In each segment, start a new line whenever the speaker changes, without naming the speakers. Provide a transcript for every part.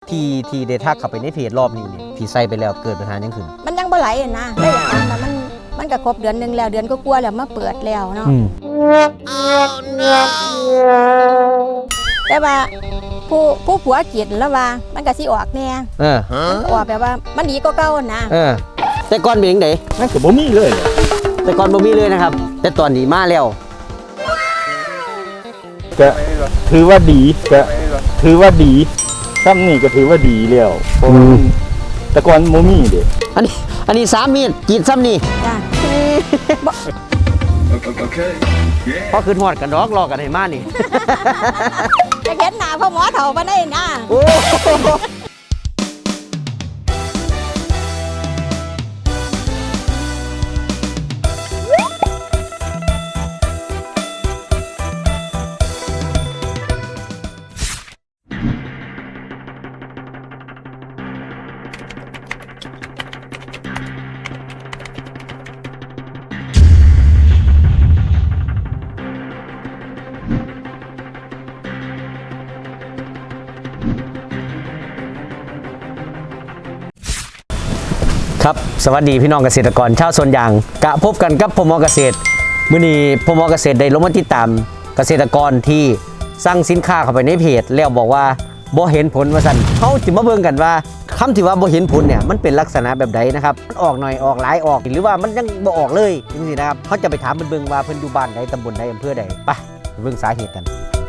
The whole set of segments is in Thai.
ที่ได้ทักเข้าไปในเพจรอบนี้เนี่ยที่ใส่ไปแล้วเกิดปัญหายังขึ้น
มันยังบ่ไหลนะเลยอยากถามว่ามันก็ครบเดือนนึงแล้วเดือนก็กลัวแล้วมาเปิดแล้วเนาะแต่ว่าผู้ผัวกินแล้วว่ามันก็สิออกแน่มันออกแบบว่ามันดีก็เก่านะ
แต่ก่อนเป็นยังไง
นั่นก็บ่มีเลย
แต่ก่อนบ่มีเลยนะครับแต่ตอนนี้มาแล้ว
ก็ถือว่าดีก็ถือว่าดีซ้ำนี่ก็ถือว่าดีแล้วแต่ก่อนบ่มีเด้
อันนี้3 มีดกินซ้ำนี่
จ้ะ
พอคืนหอดกันดอกรอกันให้มานี่
จะเห็นหน้าพ่อหมอเฒ่าบ่ได้นะ
ครับสวัสดีพี่น้องเกษตรกรชาวสวนยางกะพบกันกับพม.เกษตรมื้อนี้พม.เกษตรได้ลงมาติดตามเกษตรกรที่สั่งสินค้าเข้าไปในเพจแล้วบอกว่าบ่เห็นผลว่าซั่นเฮาสิมาเบิ่งกันว่าคำที่ว่าบ่เห็นผลเนี่ยมันเป็นลักษณะแบบใดนะครับมันออกหน่อยออกหลายออกหรือว่ามันยังบ่ออกเลยจังซี่นะครับเฮาจะไปถามเบิ่งว่าเพิ่นอยู่บ้านใดตำบลใดอำเภอใดไปเบิ่งสาเหตุกัน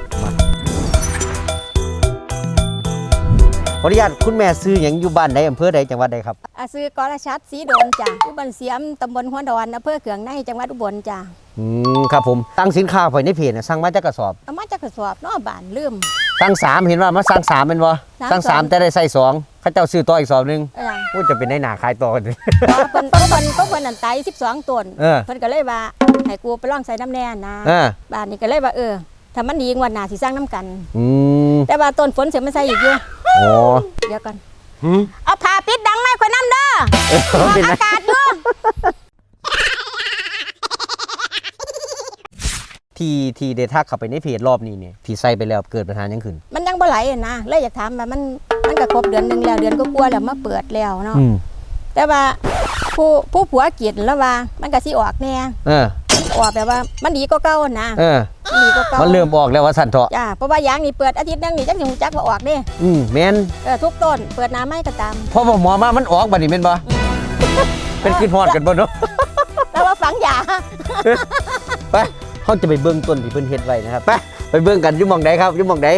ขออนุญาตคุณแม่ซื้ออย่างอยู่บ้านใดอำเภอใดจังหวัดใดครับ
ซื้อกรชัดสีโดนจ้ะอยู่บ้านเสียมตำบลหัวดอนอำเภอเขืองในจังหวัดอุบลจ้ะ
ครับผมตั้งสินค้าไปในเพจสั่งมาจากกระสอบ
เอามาจากกระสอบเนาะบ้านลืม
สั่ง3เห็นว่ามาสั่ง3เป็นบ่สั่ง3แต่ได้ใส่2เขาเจ้าซื้อต่ออีกสอบนึงจะเป็นในหน้าขายต่อกันเ
พิ่นนั่นไต12ต้นเพิ่นก็เลยว่าให้กูไปลองใส่น้ำแน่นะบ้านนี้ก็เลยว่าถ้ามันดีกว่าหน้าสิสร้างน้ำกันแต่ว่าต้นฝนเสียมันใส่อีกอยู่เดี๋ยวก่อนเอาผ้าปิดดังไหมคนน้ำเด้ออากาศอยู่
ที่ได้ทักเข้าไปในเพจรอบนี้เนี่ยที่ใส่ไปแล้วเกิดปัญหายังขึ้น
มันยังบ่ไหลนะเลยอยากถามว่ามันก็ครบเดือนนึงแล้วเดือนก็กลัวแล้วมาเปิดแล้วเนาะแต่ว่าผู้ผัวกินแล้วว่ามันก็สิออกแน่ออกแบบว่ามันดีก็เก่านะ
ดีก็เก่ามันเริ่มออกแล้วว่าสั่นเถาะ
จ้าเพราะว่ายางนี่เปิดอาทิตย์นึงนี่จักสิฮู้จักว่าออกเด้
แม่น
ทุกต้นเปิดน้ำไม้ก็ตาม
พอหมอมามันออกบัดนี้แม่นบ่เป็นคิดฮอดกันบ่เนาะ
แล้วว่าฝังยา
ไปเฮาจะไปเบิ่งต้นที่เพิ่นเฮ็ดไว้นะครับไปเบิ่งกันอยู่หม่องใดครับอยู่หม่องใด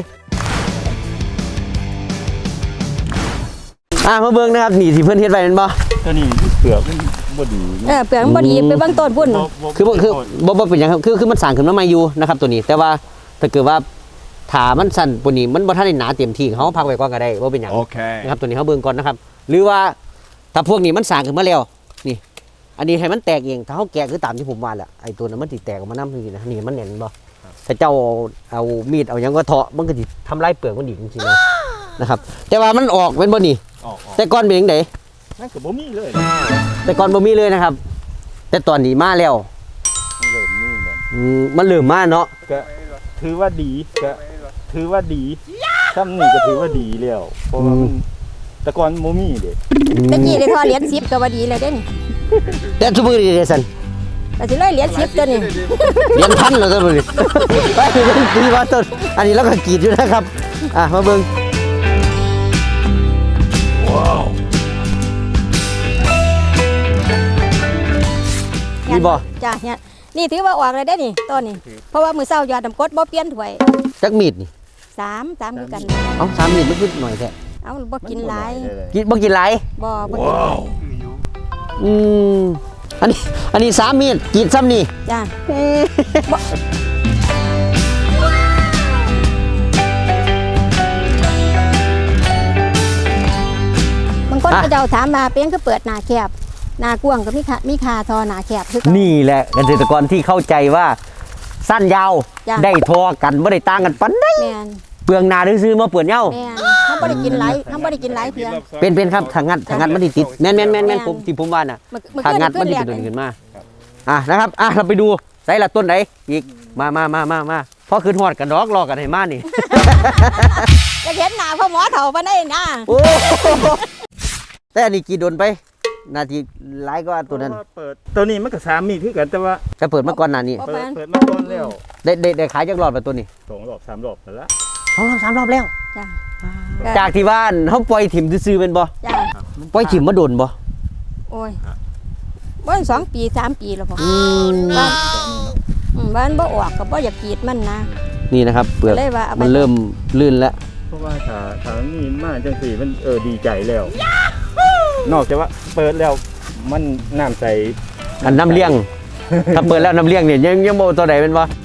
มาเบิ่งนะครับนี่ที่เพิ่นเฮ็ดไว้แม่นบ่
ตัวนี้เปลือกบ่ดี
เปลือกบ่ดีไปเบิ่งต้นพุ่น
คือบ่เป็นหยังครับคือมันสร้างขึ้นมาใหม่อยู่นะครับตัวนี้แต่ว่าถ้าเกิดว่าถ้ามันสั่นปุ่นนี้มันบ่ทันได้หนาเต็มที่เฮาพักไว้ก่อนก็ได้บ่เป็นหยังนะครับตัวนี้เฮาเบิ่งก่อนนะครับหรือว่าถ้าพวกนี้มันสร้างขึ้นมาแล้วนี่อันนี้ให้มันแตกเองถ้าเฮาแกะคือตามที่ผมว่าแหละไอ้ตัวนั้นมันสิแตกออกมานำจริงๆนะนี่มันแน่นบ่ถ้าเจ้าเอามีดเอาหยังก็เถาะมันก็สิทำลายเปลือกมันอีกจริงๆนะครับแต่ว่ามันออกเป็นบ่นี่แต่ก่อนเป็นจังได๋
นั่นก็บ่มีเลย
แต่ก่อนบ่มีเลยนะครับแต่ตอนนี้มาแล้วมันเริ่มมาเนาะ
ก็ถือว่าดีก็ถือว่าดีซ้ำนี่ก็ถือว่าดีแล้วเพราะว่าแต่ก่อนบ่มีเด้
ตะกี้ได้ทอเหรียญ10ก็ว่าดีเลยเด้นี่
แต่ซุมื้อนี้เด้ซั่น
แต่สิเลยเหรียญ10ตัวนี้
เหรียญพันแล้วตัวนี้ไปดีว่าต้นอันนี้เราก็กรีดอยู่นะครับมาเบิ่งว้าวนี่บ่
จ้ะเนี่ยนี่ถือว่าออกเลยได้นี่ต้นนี้เพราะว่ามื้อเช้ายอดน้ำกรดบ่เปลี่ยนถ้วย
จักมีดนี่
3คือกัน
3มีดมันคือหน่อยแท้
บ่กินหลาย
บ่กินหลาย
บ่กินหลาย
อันนี้3มีดกินซ้ำนี่
จ้ะบางคนก็เจ้าถามมาเป็นคือเปิดหน้าแคบหน้ากว้างก็มีคาทอหน้าแคบคือ
นี่แหละเกษตรกรที่เข้าใจว่าสั้นยาวได้ทอกันไม่ได้ต่างกันปานใดเปลืองนาซื้อมาเปลือนเย้า
เขาไม่ได้กินไหลเขาไม่ได้กินไหลเพียง
เป็นครับทางงัดมันติดแม่นผมที่ผมว่าน่ะทางงัดมันติดตัวขึ้นมานะครับเราไปดูใส่ละต้นไหนอีกมาพอคืนหอดกันดอกรอกันให้มานี่
จะเห็นหน้าพ่อหมอเฒ่าปานใดนะ
โอ้แต่อันนี้กี่โดนไปนาทีหลายกว่าตัวนั้น
เปิดตัวนี้มันก็3มีดคือกันแต่ว่า
จะเปิดมาก่อนหน้านี้
เปิดมาก่อนแล้ว
ได้ขายจักรอบแบบตัวนี้
2 รอบ 3 รอบแล้วละ
2 รอบ 3 รอบแล้ว
จ้ะ
จากที่บ้านเขาปล่อยถิ่มซื่อๆเป็นบ่
จ้ะ
ปล่อยถิ่มมาโดนบ่
โอ้ยบ่2 ปี 3 ปีแล้วพ่อ
อืม
บ้านบ่ออกก็บ่อยากกรีดมันนะ
นี่นะครับเปลือก
เลยว่าเอาไป
มันเริ่มลื่นแล้ว
เพราะว่าถ้ามีมาจังซี่มันดีใจแล้ว นอกจากว่าเปิดแล้วมันน้ำใส
อันน้ำเลี้ยง ถ้าเปิดแล้วน้ำเลี้ยงเนี่ยยังโมตัวไหนเป็นบ่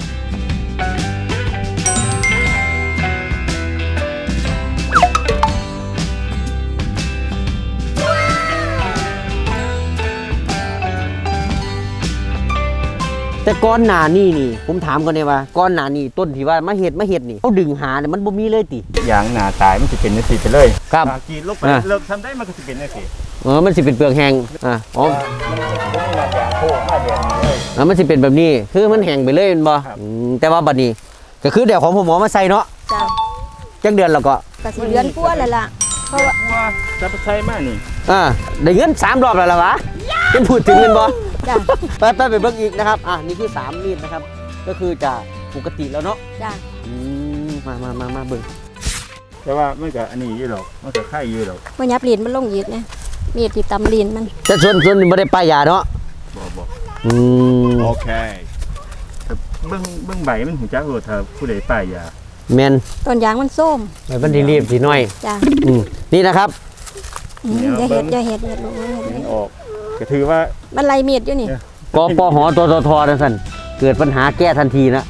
แต่ก้อนหนานี่ผมถามก่อนเลยว่าก้อนหนานี่ต้นที่ว่ามาเห็ดนี่เขาดึงหาเนี่ยมันบ่มีเลยติ
อย่างหน้าตายมันสิเป็นจังซี่ไปเลย
ครับ
ถ้ากรีดลงไปเลิกทำได้มันก็สิเป็นจังซี่
มันสิเป็นเปลือกแห้งอ๋อ
มันบ่มีหน้าแดงโค้งหน้าแดงนี่เลย
มันสิเป็นแบบนี้คือมันแห้งไปเลยเป็นบ่
ครับ
แต่ว่าบัดนี้ก็คือเดี๋ยวของผมหมอมาใส่เนาะ
จ้ะ
จักเดือนแล้วก็
ก็สิเดือนกว่าแล้วล่ะเพราะว่า
ว่าจะไปใช้มานี่
ได้เงิน3 รอบแล้วล่ะวะเป็นพูดถึงเป็นบ่
จ้ะ
ไปเบิ่งอีกนะครับนี่คือ3มีดนะครับ ก็คือจะปกติแล้วเนาะ
จ้ะ
มาเบิ่ง
แต่ว่ามันก็อันนี้อยู่หรอกมันก็ไข่อยู่หรอก
บ่ยับลิ้นมันลงอีกนะมีดที่ตำลิ้นมัน
แต่ส่วนนี้บ่ได้ป้ายยาเนาะ
บ่
อืม
โอเคแต่เบิ่งใบมันหูจักโลดถ้าผู้ใดป้ายยา
แม่น
ต้นยางมันส้ม
ไปบันทีรีบสิหน่อย
จ้ะ
นี่นะครับ
อย่าเฮ็ดลูกอย่าเฮ็ด
มันออกก็ถือว่า
มันไล่มีดอยู่นี่
กปหตทจังซั่นเกิดปัญหาแก้ทันทีนะ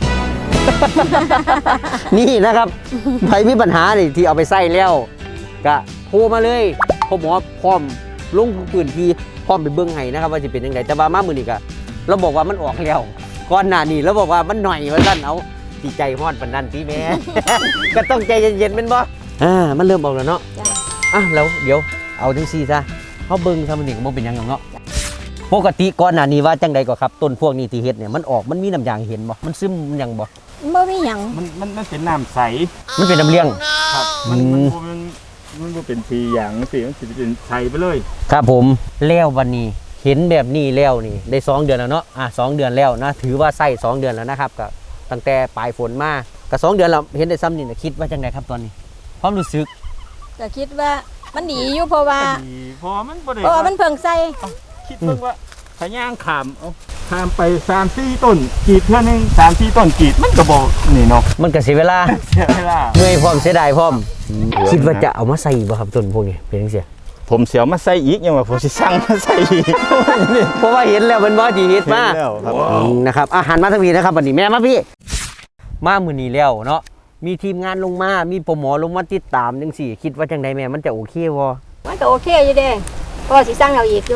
นี่นะครับใครมีปัญหานี่ที่เอาไปใส่แล้วก็โทรมาเลยพ่อหมอพร้อมลงพื้นที่พร้อมไปเบิ่งให้นะครับว่าสิเป็นจังไดแต่ว่ามามื้อนี้ก็เราบอกว่ามันออกแล้วก่อนหน้านี้เราบอกว่ามันหน่อยว่าซั่นเอาสิใจฮ้อนปานนั้นติแม่ ก็ต้องใจเย็นๆแม่นบ่มันเริ่มออกแล้วเนาะ
จ้ะ
แล้วเดี๋ยวเอาจังซี่ซะเฮาเบิ่งซะมันนี่ก็บ่เป็นหยังหรอกเนาะปกติก่อนหน้านี้ว่าจังใดก็ครับต้นพวกนี้ที่เฮ็ดเนี่ยมันออกมันมีน้ำยางเห็นบ่มันซึมหยังบ่
บ่มีหยัง
มันเป็นน้ำใส
มันเป็นน้ำเลี้ยง
ครับมันบ่เป็นสีอย่างสิมันสิเป็นใสไปเลย
ครับผมแล้ววันนี้เห็นแบบนี้แล้วนี่ได้2 เดือนแล้วเนาะ2 เดือนแล้วนะถือว่าใส่2 เดือนแล้วนะครับก็ตั้งแต่ปลายฝนมาก็2 เดือนแล้วเห็นได้ซ้ำนี่นะคิดว่าจังไดครับตอนนี้ความรู้สึก
ก็คิดว่ามันดีอยู่เพราะว่า
ดีพอมันบ่ได้
เพราะว่ามันเพิ่งใส่
คิดเบิ่งว่าถ้าย่างขามเอาขามไป3-4ต้นกรีดเทื่อนึง3-4ต้นกรีดมันก็บ่นี่เนาะ
มันก็เสียเวลา
เสียเวลา
เมื่อยพร้อมเสียดายพร้อมคิดว่าจะเอามาใส่บ่ครับต้นพวกนี้เป็นจังซี่
ผมเสียวมาใส่อีกยังว่าผมสิสั่งมาใส่อีก
เพราะว่าเห็นแล้วมันบ่ที่เฮ็ดมา
เห็นแล้วครับ
นะครับอาหารมาทั้งนี้นะครับวันนี้แม่มาพี่มามื้อนี้แล้วเนาะมีทีมงานลงมามีโปรโมลงมาติดตามจังซี่คิดว่าจังไดแม่มันจะโอเคบ่
มันก็โอเคอยู่เด้เพราะว่าสิสั่งเอาอีกอยู่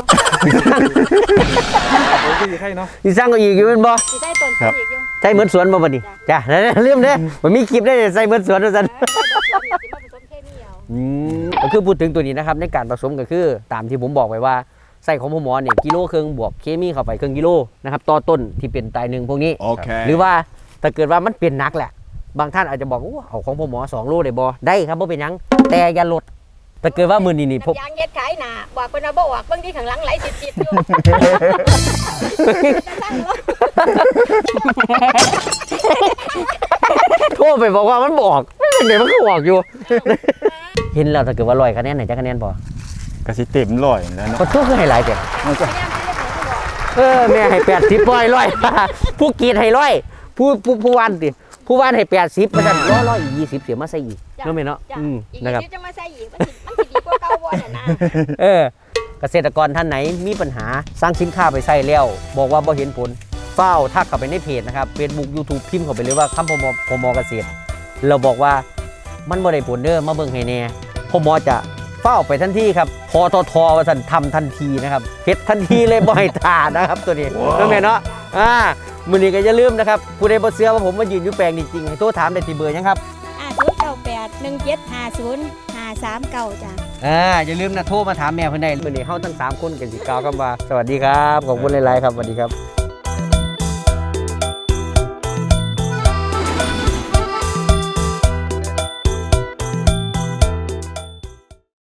โอ้ยใครเนาะ
สิสร้างเอาอีกอยู่แม่นบ่
สิใส่ต้น
ครับ
อีกอยู่
ใช่เหมือนสวนบ่บัดนี้จ้ะลืมเด้มันมีคลิปได้ใส่เหมือนสวนว่าซั่น
สิมาผสมเคมีเอา
ก็คือพูดถึงตัวนี้นะครับในการผสมก็คือตามที่ผมบอกไว้ว่าใส่ของพ่อหมอเนี่ยกิโลครึ่งบวกเคมีเข้าไปครึ่งกิโลนะครับต่อต้นที่เป็นตายหนึ่งพวกนี้ หรือว่าถ้าเกิดว่ามันเป็นหนักแหละ บางท่านอาจจะบอกว่าเอาของพ่อหมอ2 โลได้บ่ได้ครับบ่เป็นหยังแต่อย่าลดถ้าเกิดว่ามื้อนี้นี่ผม
น้ำยางเฮ็ดขายหน้าบอกเพิ่นว่าบ่ออกเบิ่งที่ข้างหลังไหลติดๆอยู่จะสั่งเนาะ
โทรไปบอกว่ามันบอกเดี๋ยวมันก็บอกอยู่ เห็นแล้วถ้าเกิดว่า100คะแนนไหนจะคะแนนพอ
ก็สิเต็มร้อยแล้วเนาะ
ก็ทุกคือให้หลายแต่
มันก็
แม่ให้80ร้อยผู้กรีดให้100ผู้วันติผู้วันให้80ประจัน100อีก20เสียมาใส่อีกเนาะแม่เนาะ
จ้ะอีก
นะครับ
นิดจะมาใส่อีกมันสิดีกว่าเก่าบ่น่ะนะ
เกษตรกรท่านไหนมีปัญหาสร้างสินค้าไปใส่แล้วบอกว่าบ่เห็นผลเฝ้าทักเข้าไปในเพจนะครับ Facebook YouTube พิมพ์เข้าไปเลยว่าคำพมเกษตรเราบอกว่ามันบ่ได้ผลเด้อมาเบิ่งให้แน่พมจะเฝ้าไปทันทีครับพททว่าซั่นทำทันทีนะครับเฮ็ดทันทีเลยบ่ให้ทานะครับตัวนี้นั่นแม่เนาะมื้อนี้ก็อย่าลืมนะครับผู้ใดบ่เชื่อว่าผมมายืนอยู่แปลงจริงๆให้โทรถามได้ที่เบอร์หยังครับ
098175053จ้ะ
อย่าลืมนะโทรมาถามแม่เพิ่นได้มื้อนี้เฮาทั้ง3คนกันสิกล่าวคำว่าสวัสดีครับขอบคุณหลายๆครับสวัสดีครับ